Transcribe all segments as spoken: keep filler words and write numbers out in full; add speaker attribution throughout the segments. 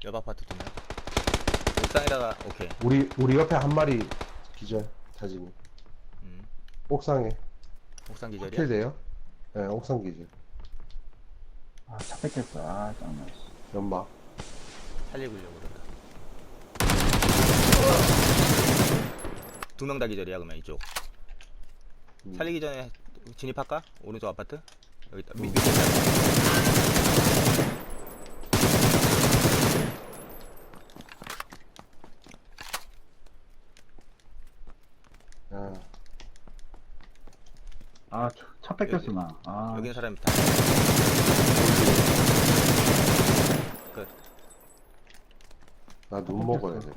Speaker 1: 옆 아파트 두 명. 옥상에다가 오케이.
Speaker 2: 우리 우리 옆에 한 마리 기절 타진이.
Speaker 1: 음.
Speaker 2: 옥상에
Speaker 1: 옥상 기절이야.
Speaker 2: 킬 돼요? 네, 옥상 기절.
Speaker 3: 아, 차 뺏겼어. 아, 짱나, 씨.
Speaker 2: 연막.
Speaker 1: 살리려고 그러다. 두 명 다 기절이야 그러면 이쪽.
Speaker 2: 음.
Speaker 1: 살리기 전에 진입할까? 오른쪽 아파트? 여기 있다. 밑,
Speaker 2: 음.
Speaker 1: 밑에 있다.
Speaker 2: 아,
Speaker 3: 아, 차- 차 뺏겼어, 나. 아,
Speaker 1: 여기는 사람이 다. 끝.
Speaker 2: 나 눈 먹어야 돼.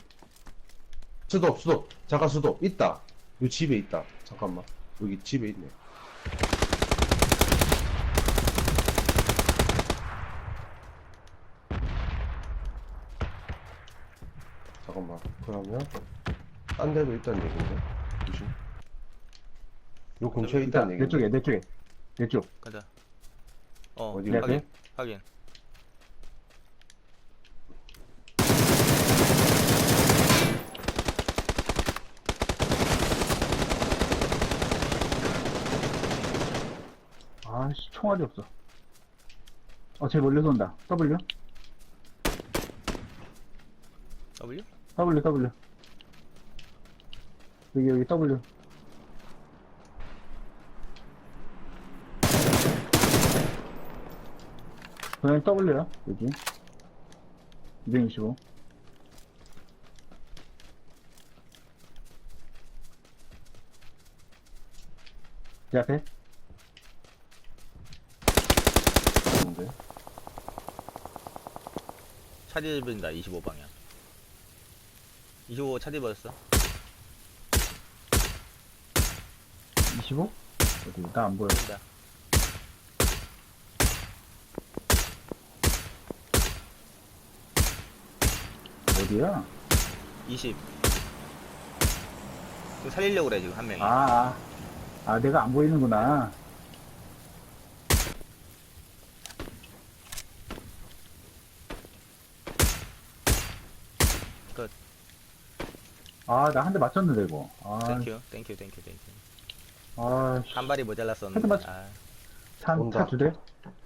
Speaker 2: 수도 수도 잠깐 수도 있다. 이 집에 있다. 잠깐만. 여기 집에 있네. 잠깐만. 그러면 딴 데도 있다는 얘긴데. 조심. 요 근처에
Speaker 3: 있다.
Speaker 2: 있다는
Speaker 3: 내
Speaker 2: 얘긴데.
Speaker 3: 쪽에, 내 쪽에. 내 쪽.
Speaker 1: 가자. 어,
Speaker 2: 어디
Speaker 1: 확인.
Speaker 3: 어디?
Speaker 1: 확인.
Speaker 3: 아, 씨, 총알이 없어. 어, 쟤 멀리서 온다. W?
Speaker 1: W?
Speaker 3: W, W. 여기, 여기 W. 그냥 W야, 여기. 이백육십오. 제 앞에?
Speaker 2: 근데
Speaker 1: 차 뒤집는다. 이십오 방향. 이십오 차 뒤집었어.
Speaker 3: 이십오? 어디, 나 안 보여.
Speaker 1: 된다.
Speaker 3: 어디야?
Speaker 1: 이십. 지금 살리려고 그래 지금 한 명이.
Speaker 3: 아, 아. 아, 내가 안 보이는구나.
Speaker 1: 끝.
Speaker 3: 아, 나 한 대 맞췄는데, 이거. 아,
Speaker 1: 땡큐. 땡큐. 땡큐. 땡큐.
Speaker 3: 아, 씨.
Speaker 1: 한 발이 모자랐었는데.
Speaker 3: 헤드 맞-
Speaker 1: 아,
Speaker 3: 차,
Speaker 2: 온다.
Speaker 3: 차 두 대?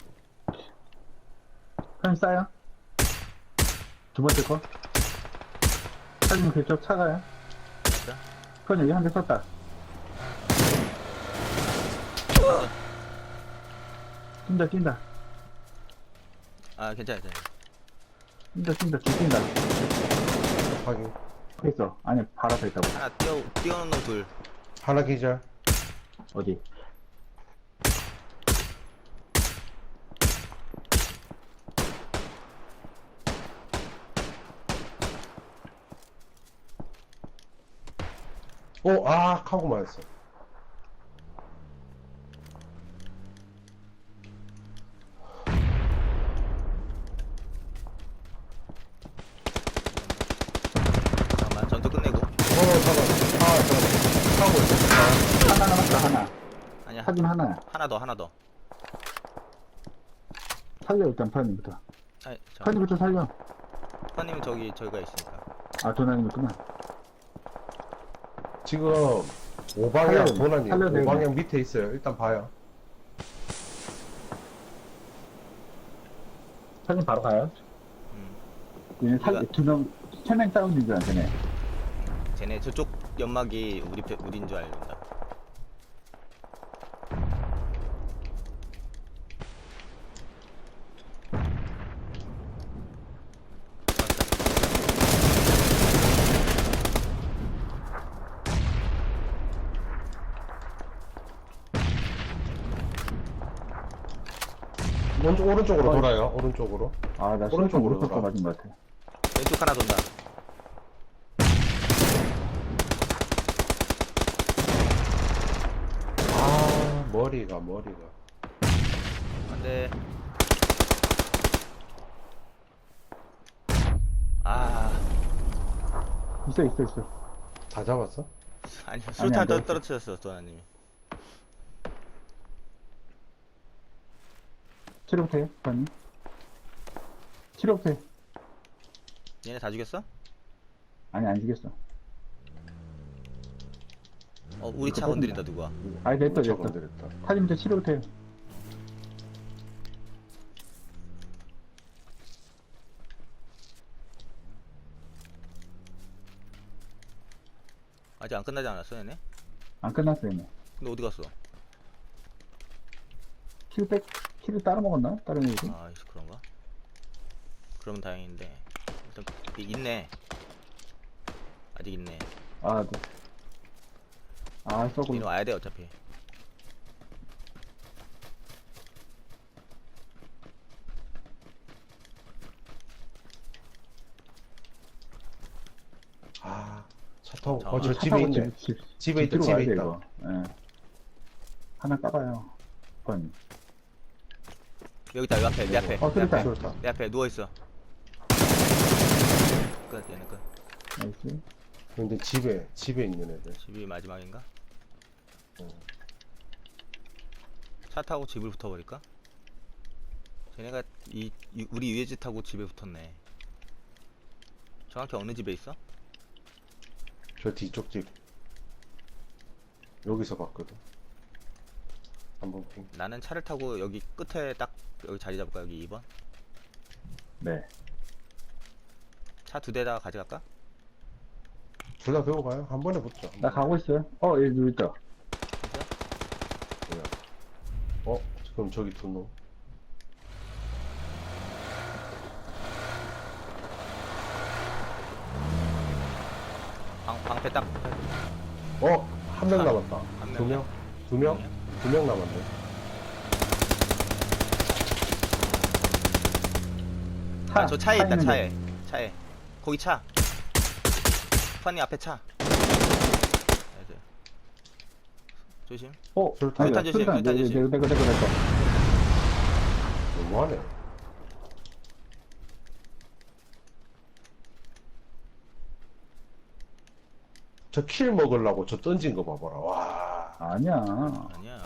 Speaker 3: 사진 싸요? 두 번째 거? 사진 그쪽 차가요?
Speaker 1: 됐어?
Speaker 3: 그건 여기 한 대 썼다. 뛴다, 뛴다.
Speaker 1: 아, 괜찮아. 괜찮아.
Speaker 3: 뛴다, 뛴다, 쭉 뛴다.
Speaker 2: 확인.
Speaker 3: 거 있어. 아니, 바로 앞에 있다고.
Speaker 1: 하나 뛰어 뛰어놓는 놈 둘.
Speaker 2: 하나 기절.
Speaker 3: 어디?
Speaker 2: 오, 아, 카고 맞았어.
Speaker 1: 잠깐만. 전투 끝내고.
Speaker 2: 어, 잠깐. 아, 잠깐. 카고 있어.
Speaker 3: 하나 남았다, 하나.
Speaker 1: 아니야.
Speaker 3: 사진 하나야.
Speaker 1: 하나 더. 하나 더.
Speaker 3: 살려, 일단, 파님부터.
Speaker 1: 아니, 저.
Speaker 3: 파님부터 살려.
Speaker 1: 파님은 저기 저기가 있으니까.
Speaker 3: 아, 도난이었구나.
Speaker 2: 지금 오방향
Speaker 3: 살려야 돼.
Speaker 2: 도난이
Speaker 3: 살려야 돼,
Speaker 2: 오방향 밑에 있어요. 일단 봐요.
Speaker 3: 사진 바로 가요.
Speaker 1: 음.
Speaker 3: 얘네 살,
Speaker 1: 우리가-
Speaker 3: 두 명, 세 명 사운드인 줄 알았네.
Speaker 1: 쟤네 저쪽 연막이 우리 편- 우린 줄 알다.
Speaker 2: 오른쪽, 오른쪽으로
Speaker 3: 어.
Speaker 2: 돌아요. 오른쪽으로.
Speaker 3: 아, 나
Speaker 2: 오른쪽으로
Speaker 3: 오른쪽, 오른쪽 거
Speaker 2: 돌아.
Speaker 3: 맞은 것 같아.
Speaker 1: 왼쪽 하나 돈다.
Speaker 2: 아, 머리가, 머리가.
Speaker 1: 안돼. 아,
Speaker 3: 있어, 있어, 있어.
Speaker 2: 다 잡았어?
Speaker 1: 아니
Speaker 3: 안
Speaker 1: 수류탄
Speaker 3: 돼.
Speaker 1: 떨- 떨어뜨렸어, 도나님이.
Speaker 3: 치료부터 해, 파님. 치료부터 해.
Speaker 1: 얘네 다 죽였어?
Speaker 3: 아니, 안 죽였어.
Speaker 1: 어 우리 차
Speaker 3: 그거
Speaker 1: 건드린다 누가.
Speaker 3: 아니, 됐다,
Speaker 2: 차
Speaker 3: 됐다.
Speaker 2: 건드렸다.
Speaker 3: 타임부터 치료부터 해요.
Speaker 1: 아직 안 끝나지 않았어 얘네?
Speaker 3: 안 끝났어요, 뭐.
Speaker 1: 근데 어디 갔어?
Speaker 3: 킬 백, 킬을 따로 먹었나? 다른 애들?
Speaker 1: 아 그런가? 그러면 다행인데 일단 이- 있네. 아직 있네.
Speaker 3: 아, 네. 아, 썩을.
Speaker 1: 얘는 와야 돼 어차피.
Speaker 2: 아, 차 타고,
Speaker 1: 자,
Speaker 2: 어, 저
Speaker 3: 차
Speaker 2: 집에
Speaker 3: 타고
Speaker 2: 있네.
Speaker 3: 집, 집,
Speaker 2: 집에 있다,
Speaker 3: 집으로
Speaker 2: 집에
Speaker 3: 가야 돼,
Speaker 2: 있다.
Speaker 3: 이거. 예. 하나 까봐요. 번.
Speaker 1: 여기 있다. 여기 앞에 내 앞에.
Speaker 3: 어,
Speaker 1: 내
Speaker 3: 그렇다,
Speaker 1: 앞에.
Speaker 3: 그렇다.
Speaker 1: 내 앞에 누워 있어. 끝 얘네 끝.
Speaker 3: 나이스.
Speaker 2: 근데 집에, 집에 있는 애들.
Speaker 1: 집이 마지막인가?
Speaker 2: 어.
Speaker 1: 차 타고 집을 붙어버릴까? 쟤네가 이, 이 우리 위에 집 타고 집에 붙었네. 정확히 어느 집에 있어?
Speaker 2: 저 뒤쪽 집. 여기서 봤거든. 한번 핑.
Speaker 1: 나는 차를 타고 여기 끝에 딱 여기 자리 잡을까? 여기 이 번?
Speaker 3: 네.
Speaker 1: 차 두 대 다 가져갈까?
Speaker 2: 둘 다 배워 가요. 한 번에 붙죠.
Speaker 3: 나 가고 있어요. 어, 여기 있다.
Speaker 2: 뭐야. 어, 그럼 저기 두 놈.
Speaker 1: 방, 방패 딱
Speaker 2: 어, 한 명
Speaker 1: 한-
Speaker 2: 남았다.
Speaker 1: 한
Speaker 2: 두
Speaker 1: 명이야?
Speaker 2: 명? 두 명?
Speaker 1: 명이야?
Speaker 2: 두 명 남았네.
Speaker 3: 차,
Speaker 1: 아, 저 차에 있다
Speaker 3: 있는데.
Speaker 1: 차에 차에 거기 차 수판님 앞에 차 나이스. 조심.
Speaker 3: 어,
Speaker 2: 술탄
Speaker 3: 아니다,
Speaker 1: 조심,
Speaker 3: 술탄.
Speaker 1: 술탄
Speaker 3: 내,
Speaker 1: 조심.
Speaker 3: 내, 내, 내, 내, 내, 내, 내.
Speaker 2: 너무하네. 저 킬 먹으려고 저 던진 거 봐봐라. 와.
Speaker 3: 아니야.
Speaker 1: 아니야.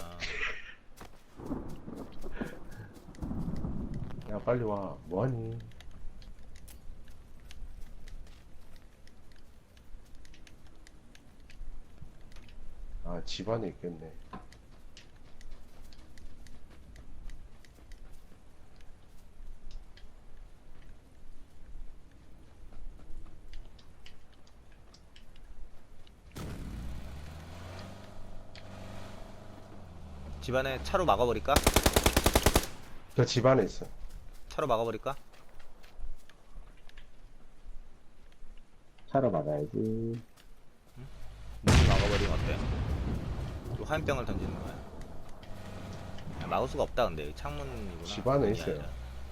Speaker 2: 야, 빨리 와. 뭐하니? 아, 집 안에 있겠네.
Speaker 1: 집안에 차로 막아버릴까?
Speaker 2: 저 집 안에 있어.
Speaker 1: 차로 막아버릴까?
Speaker 3: 차로 막아야지.
Speaker 1: 문을 막아버리면 어때? 또 화염병을 던지는 거야. 야, 막을 수가 없다 근데 창문이구나.
Speaker 2: 집 안에
Speaker 1: 문이
Speaker 2: 있어요.
Speaker 1: 아니라.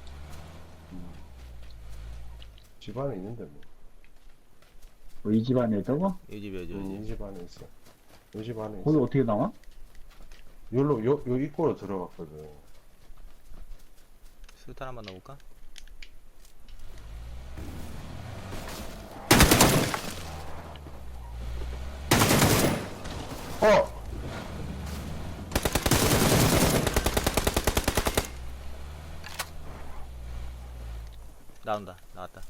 Speaker 2: 집 안에 있는데 뭐.
Speaker 3: 뭐, 이 집 안에 있다고?
Speaker 1: 이 집에 이
Speaker 2: 음,
Speaker 1: 집.
Speaker 2: 이 집 안에 있어. 이 집 안에
Speaker 3: 거기
Speaker 2: 있어.
Speaker 3: 어떻게 나와?
Speaker 2: 요로, 요, 요 입구로 들어갔거든.
Speaker 1: 수류탄 한번 넣어볼까?
Speaker 2: 어!
Speaker 1: 나온다. 나왔다.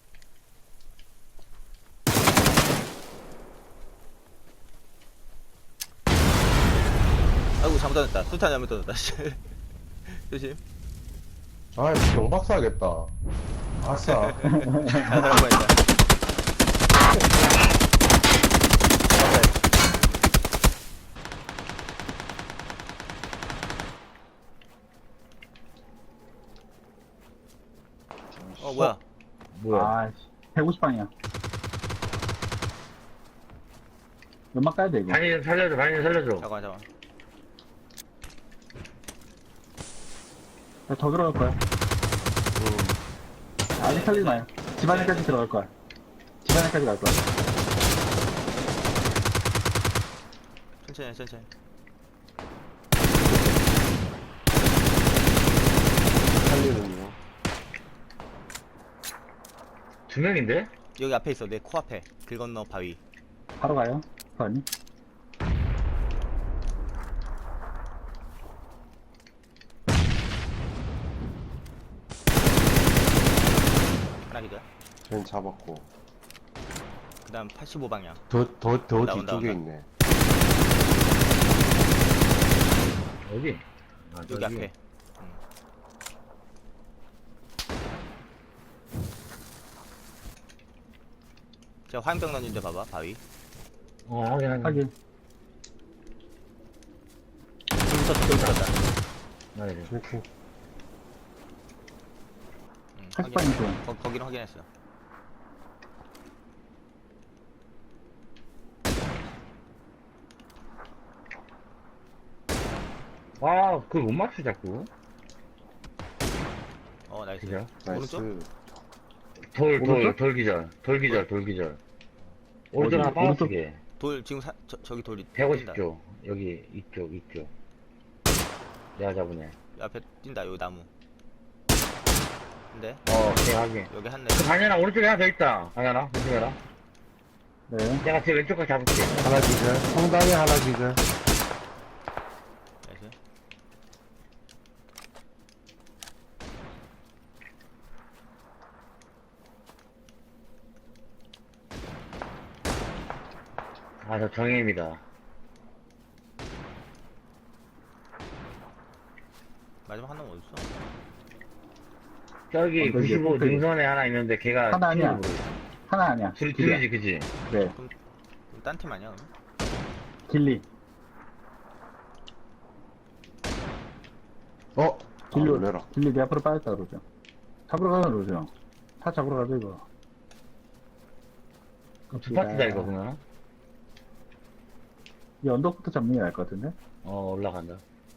Speaker 1: 아이고 잘못 던졌다. 수류탄 잘못 던졌다. 씨. 조심.
Speaker 2: 아, 경박사 하겠다. 아싸.
Speaker 1: 자살할 뻔했다. 어 뭐야?
Speaker 2: 뭐야?
Speaker 3: 아, 백오십 방이야. 연막 까야 돼, 이거.
Speaker 4: 반이 좀 살려줘, 반이 좀 살려줘.
Speaker 1: 잠깐만 잠깐만.
Speaker 3: 나 더 들어갈 거야.
Speaker 2: 음.
Speaker 3: 아직 살리지 마요. 집 안에까지 들어갈 거야. 집 안에까지 갈 거야.
Speaker 1: 천천히 천천히.
Speaker 2: 살리는 거.
Speaker 4: 두 명인데?
Speaker 1: 여기 앞에 있어. 내 코앞에. 길 건너 바위.
Speaker 3: 바로 가요. 아니?
Speaker 1: 하나 기절.
Speaker 2: 쟤는 잡았고.
Speaker 1: 그 다음 팔십오 방향.
Speaker 2: 더, 더, 더
Speaker 1: 온다, 온다,
Speaker 2: 뒤쪽에
Speaker 1: 온다.
Speaker 2: 있네.
Speaker 4: 어디? 아,
Speaker 1: 여기
Speaker 4: 저기.
Speaker 1: 앞에. 음. 제가 화염병 던진데 봐봐, 바위.
Speaker 4: 어, 확인, 확인.
Speaker 3: 확인.
Speaker 1: 불 쳤다, 불 쳤다.
Speaker 4: 나 이제.
Speaker 2: 이렇게.
Speaker 1: 응,
Speaker 3: 팔십 방향 쪽.
Speaker 1: 거, 거기는 확인했어.
Speaker 4: 아, 그걸 못 맞추, 자꾸.
Speaker 1: 어, 나이스.
Speaker 4: 그죠?
Speaker 2: 나이스.
Speaker 1: 오른쪽?
Speaker 4: 돌, 돌,
Speaker 3: 오른쪽?
Speaker 4: 돌 기절. 돌 기절, 돌 기절. 오른쪽
Speaker 3: 어디?
Speaker 4: 하나 빠졌게.
Speaker 1: 돌, 지금 사, 저, 저기 돌이.
Speaker 4: 백오십
Speaker 1: 뛴다.
Speaker 4: 조. 여기, 이쪽, 이쪽. 내가 잡으네.
Speaker 1: 앞에 뛴다, 여기 나무. 근데,
Speaker 4: 어, 내가 하긴.
Speaker 1: 여기 한 대.
Speaker 4: 그 반연아, 오른쪽에 하나 더 있다. 반연아, 조심해라.
Speaker 3: 네.
Speaker 4: 내가 제 왼쪽 거 잡을게.
Speaker 2: 하나 기절. 성당에 하나 기절.
Speaker 1: 나이스.
Speaker 4: 아, 저 정혜입니다.
Speaker 1: 마지막 한 놈 어딨어?
Speaker 4: 저기
Speaker 3: 언덕이야,
Speaker 4: 구십오
Speaker 3: 꼭대기.
Speaker 4: 능선에 하나 있는데 걔가
Speaker 3: 하나 아니야.
Speaker 4: 키우는 거야.
Speaker 3: 하나 아니야.
Speaker 4: 둘이
Speaker 3: 길이야.
Speaker 4: 둘이지, 그지?
Speaker 3: 네.
Speaker 1: 그럼 딴 팀 아니야, 그럼?
Speaker 3: 길리.
Speaker 2: 어?
Speaker 3: 길리,
Speaker 2: 아, 놀래라.
Speaker 3: 길리 내 앞으로 빠졌다 그러죠. 잡으러 가자 그러죠. 차 잡으러 가자 이거.
Speaker 4: 그럼 두 파트다 이거 그러면.
Speaker 3: 이 언덕부터 잡는 게 나을 것 같은데?
Speaker 4: 어, 올라간다.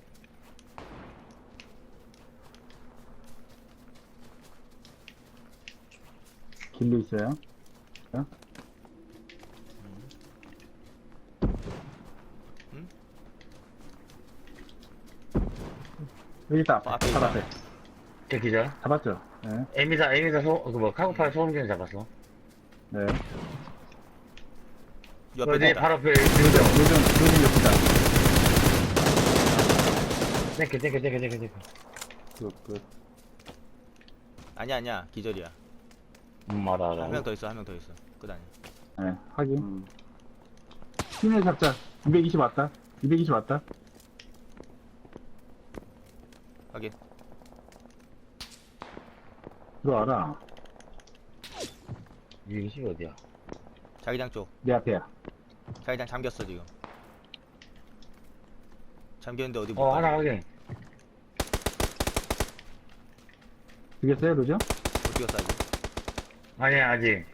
Speaker 3: 길리 있어요. 어?
Speaker 1: 응?
Speaker 3: 여기 있다.
Speaker 1: 어, 앞에
Speaker 3: 바로
Speaker 1: 있다.
Speaker 3: 앞에.
Speaker 4: 저 기절.
Speaker 3: 잡았죠? 네.
Speaker 4: 에미사, 에미사 소, 그 뭐, 카고팔 소음기는 잡았어.
Speaker 3: 네.
Speaker 1: 옆에
Speaker 4: 어, 내
Speaker 1: 있다.
Speaker 4: 바로 앞에
Speaker 3: 요즘,
Speaker 4: 요즘.
Speaker 3: 요즘, 요즘 옆이다.
Speaker 4: 땡겨, 땡겨, 땡겨, 땡겨, 땡겨.
Speaker 2: 끝, 끝.
Speaker 1: 아니야, 아니야. 기절이야.
Speaker 4: 음, 알아, 알아.
Speaker 1: 한 명 더 있어, 한 명 더 있어. 끝 아니야.
Speaker 3: 네. 확인.
Speaker 2: 음.
Speaker 3: 시내 잡자. 이백이십 왔다. 이백이십 왔다.
Speaker 1: 확인.
Speaker 3: 들어와라.
Speaker 4: 이게 시 어디야?
Speaker 1: 자기장 쪽.
Speaker 3: 내 앞에야.
Speaker 1: 자기장 잠겼어, 지금. 잠겼는데 어디 못
Speaker 4: 어,
Speaker 1: 가.
Speaker 4: 하나 확인.
Speaker 3: 죽였어요, 그죠?
Speaker 1: 못 뛰었어, 아직.
Speaker 4: 아니야, 아직.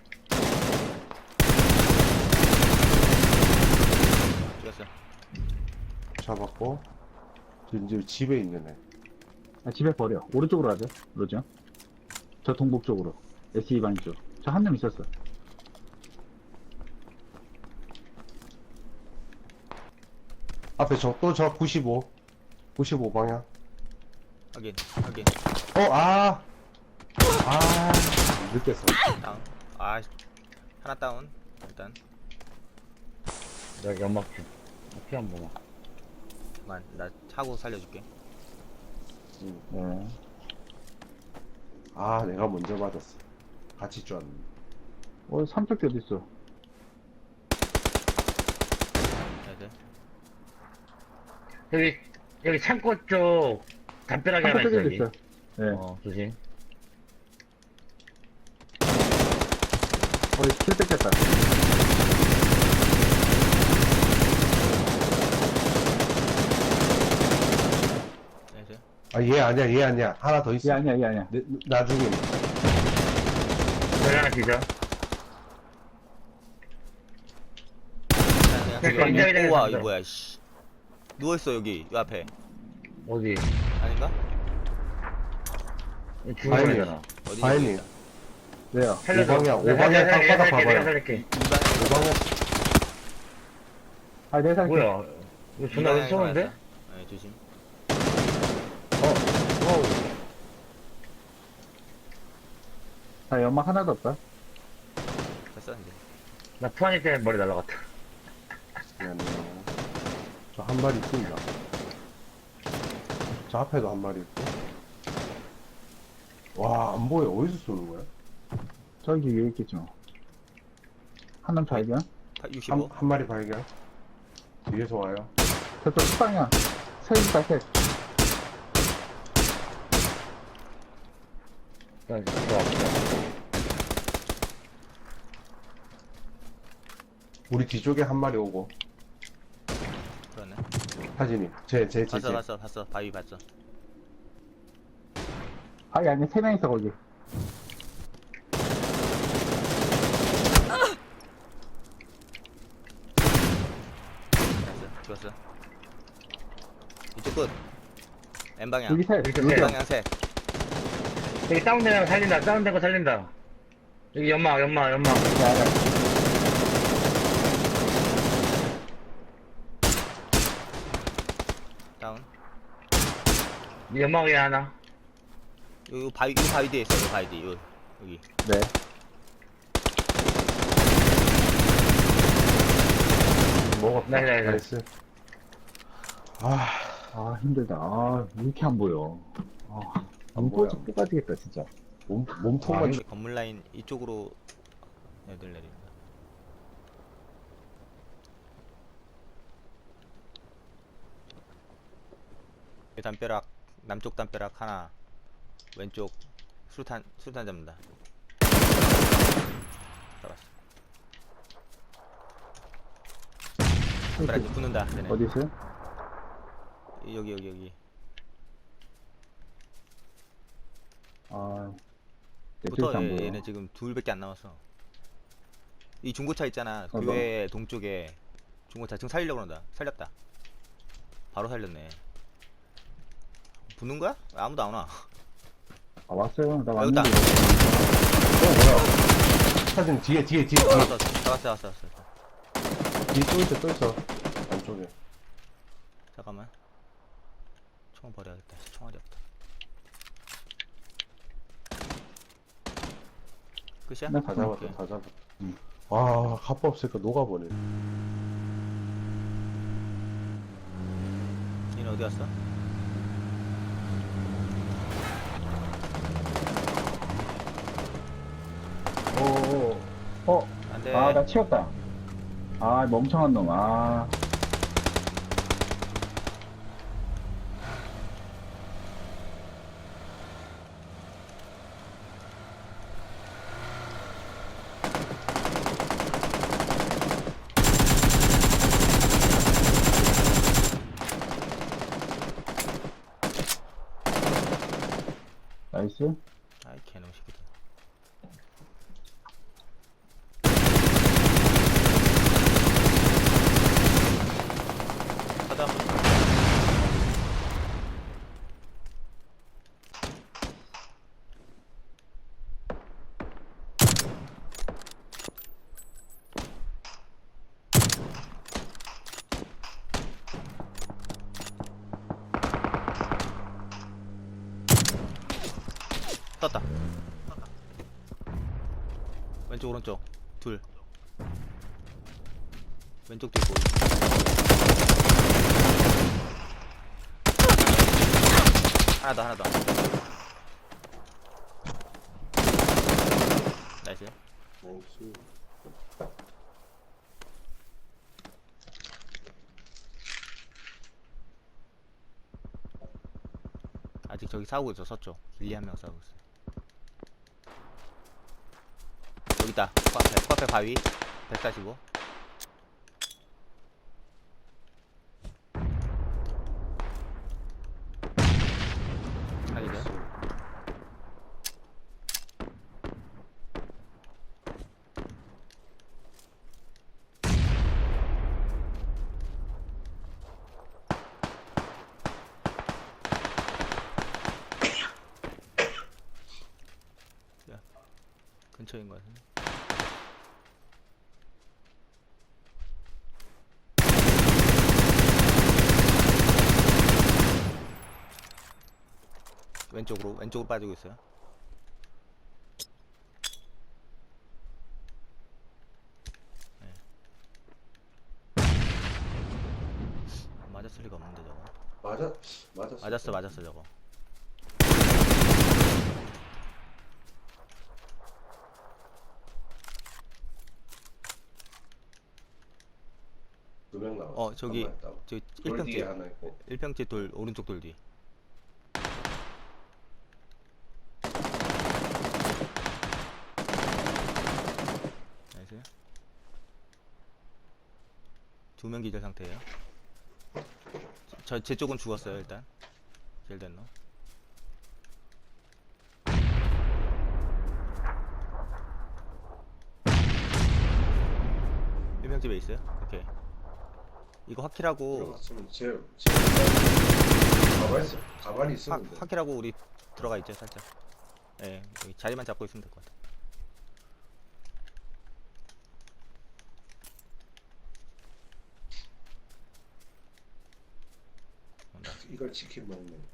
Speaker 1: 뛰었어.
Speaker 2: 잡았고. 이제 집에 있는 애.
Speaker 3: 아, 집에 버려. 오른쪽으로 가죠. 그러죠? 저 동북 쪽으로. 에스이 방 쪽. 저 한 놈 있었어.
Speaker 2: 앞에 저, 또 저 구십오. 구십오 방향.
Speaker 1: 확인, 확인.
Speaker 2: 어, 아! 아, 늦겠어.
Speaker 1: 다운. 아, 하나 다운. 일단.
Speaker 4: 여기 연막 좀. 피한 번만.
Speaker 1: 잠깐, 나 차고 살려줄게.
Speaker 2: 음.
Speaker 3: 네.
Speaker 2: 아, 내가 먼저 맞았어. 같이 쐈는데.
Speaker 3: 어, 삼척대 어딨어?
Speaker 1: 나이스.
Speaker 4: 여기, 여기 창고 쪽 담벼락에 하나 있어,
Speaker 3: 삼척대
Speaker 4: 여기.
Speaker 3: 있어. 네.
Speaker 4: 어, 조심.
Speaker 3: 어, 킬 뺏겼다.
Speaker 1: 나이스.
Speaker 2: 아, 얘 아니야, 얘 아니야. 하나 더 있어.
Speaker 3: 얘 아니야, 얘 아니야.
Speaker 2: 내, 나중에.
Speaker 4: 여기 하나 기절.
Speaker 1: 그냥, 그냥
Speaker 4: 네,
Speaker 1: 그거 아니야?
Speaker 4: 굉장히
Speaker 1: 우와,
Speaker 4: 잘했습니다.
Speaker 1: 이거 뭐야, 씨. 누워있어, 여기. 요 앞에.
Speaker 4: 어디?
Speaker 1: 아닌가?
Speaker 4: 죽어버리잖아.
Speaker 1: 어디
Speaker 2: 바이님.
Speaker 1: 있다.
Speaker 3: 왜요?
Speaker 4: 살려줘.
Speaker 2: 오방향,
Speaker 4: 내가
Speaker 2: 오방향
Speaker 4: 살릴게,
Speaker 2: 땅바닥
Speaker 4: 내가
Speaker 2: 봐봐요.
Speaker 4: 살릴게.
Speaker 1: 이방향.
Speaker 2: 오방향.
Speaker 3: 아, 내 살게.
Speaker 4: 뭐야? 이거 존나
Speaker 1: 이방향에
Speaker 4: 쏘는데?
Speaker 1: 맞았어. 네, 조심.
Speaker 4: 어우.
Speaker 3: 자, 연막 하나도 없다.
Speaker 1: 됐어, 이제.
Speaker 4: 나 푸아니 때문에 머리 날라갔다.
Speaker 2: 미안해요. 저 한 마리 있습니다. 저 앞에도 한 마리 있고. 와, 안 보여. 어디서 쏘는 거야?
Speaker 3: 저 저기 위에 있겠죠. 한남 발견.
Speaker 2: 한,
Speaker 1: 육십오.
Speaker 2: 한 마리 발견. 뒤에서 와요.
Speaker 3: 저쪽 식방이야. 셋 있다, 셋.
Speaker 4: 일단 들어왔어.
Speaker 2: 우리 뒤쪽에 한 마리 오고.
Speaker 1: 그러네.
Speaker 2: 하진이. 제, 제, 제,
Speaker 1: 봤어
Speaker 2: 제.
Speaker 1: 봤어 봤어. 바위 봤어.
Speaker 3: 아니, 아니, 세 명 있어, 거기.
Speaker 1: 됐어. 죽었어. 이쪽 끝. N 방향.
Speaker 3: 여기 셋.
Speaker 4: 여기
Speaker 1: N
Speaker 4: 셋.
Speaker 1: 방향 셋.
Speaker 4: 여기 다운된 거 살린다. 다운된 거 살린다. 여기 연막, 연막, 연막.
Speaker 3: 야, 야.
Speaker 1: 다운.
Speaker 4: 이 연막 위에 하나.
Speaker 1: 요, 요 바위 요 바위 뒤에 있어. 요 바위 뒤. 요 여기.
Speaker 3: 네.
Speaker 2: 먹었다.
Speaker 4: 네, 네, 네.
Speaker 2: 나이스. 아,
Speaker 3: 아, 힘들다. 아, 왜 이렇게 안 보여. 아,
Speaker 2: 안
Speaker 3: 안
Speaker 2: 보여.
Speaker 3: 보여. 뽑아지겠다, 진짜.
Speaker 2: 몸, 몸통만
Speaker 1: 여기 건물 라인 이쪽으로 애들 내린다. 이 담벼락 남쪽 담벼락 하나. 왼쪽 수탄 수탄 잡는다. 잡았어. 담벼락 이제 붙는다. 쟤네.
Speaker 3: 어디 있어요?
Speaker 1: 여기 여기 여기.
Speaker 3: 아, 내
Speaker 1: 붙어.
Speaker 3: 쪽에서 안
Speaker 1: 얘,
Speaker 3: 보여.
Speaker 1: 얘네 지금 둘밖에 안 남았어. 이 중고차 있잖아.
Speaker 3: 어,
Speaker 1: 교회 동쪽에 중고차 지금 살리려고 그런다. 살렸다. 바로 살렸네. 붙는 거야? 왜 아무도 안 와.
Speaker 3: 아, 왔어요. 나
Speaker 1: 여기 있다.
Speaker 3: 왔는데.
Speaker 2: 어, 뭐야. 하진 뒤에, 뒤에, 뒤에, 뒤에.
Speaker 1: 왔어, 왔어, 왔어, 왔어, 왔어.
Speaker 2: 뒤에 또 있어, 또 있어. 안쪽에.
Speaker 1: 잠깐만. 총 버려야겠다. 총알이 없다. 끝이야?
Speaker 3: 나
Speaker 2: 다
Speaker 3: 잠깐
Speaker 2: 잡았다,
Speaker 1: 오케이.
Speaker 2: 다 잡았다.
Speaker 3: 응.
Speaker 2: 와, 갑바 없으니까 녹아버네.
Speaker 1: 얘는 어디 갔어?
Speaker 3: 오, 어,
Speaker 1: 안 돼.
Speaker 3: 아, 나 치웠다. 아, 멍청한 놈. 아, 나이스.
Speaker 1: 아이, 개놈 새끼들. 가자. 떴다. 왼쪽 오른쪽 둘. 왼쪽도 있고. 하나 더 하나 더. 나이스.
Speaker 2: 나이스.
Speaker 1: 아직 저기 싸우고 있어. 서쪽 길리 한 명 싸우고 있어. 여기 있다. 코앞에 코앞에 바위 백사십오. 살리죠. 야, 근처인 것 같은데. 왼쪽으로 왼쪽으로 빠지고 있어요. 네. 맞았을 리가 없는데 저거.
Speaker 2: 맞아, 맞았어.
Speaker 1: 맞았어 맞았어 저거.
Speaker 2: 나와.
Speaker 1: 어, 저기, 저
Speaker 2: 돌 뒤에
Speaker 1: 일평집
Speaker 2: 하나 있고.
Speaker 1: 일평집 돌 오른쪽 돌 뒤. 나이스. 두 명 기절 상태예요. 저 제 쪽은 죽었어요 일단. 제일 된 놈. 일평집에 있어요. 오케이. 이거 확킬하고
Speaker 2: 들어갔으면 제, 제 가만히 있어. 가만히
Speaker 1: 확,
Speaker 2: 있었는데.
Speaker 1: 확킬하고 우리 들어가 있죠 살짝. 예, 여기 자리만 잡고 있으면 될 것 같아.
Speaker 2: 이걸 치킨 먹네.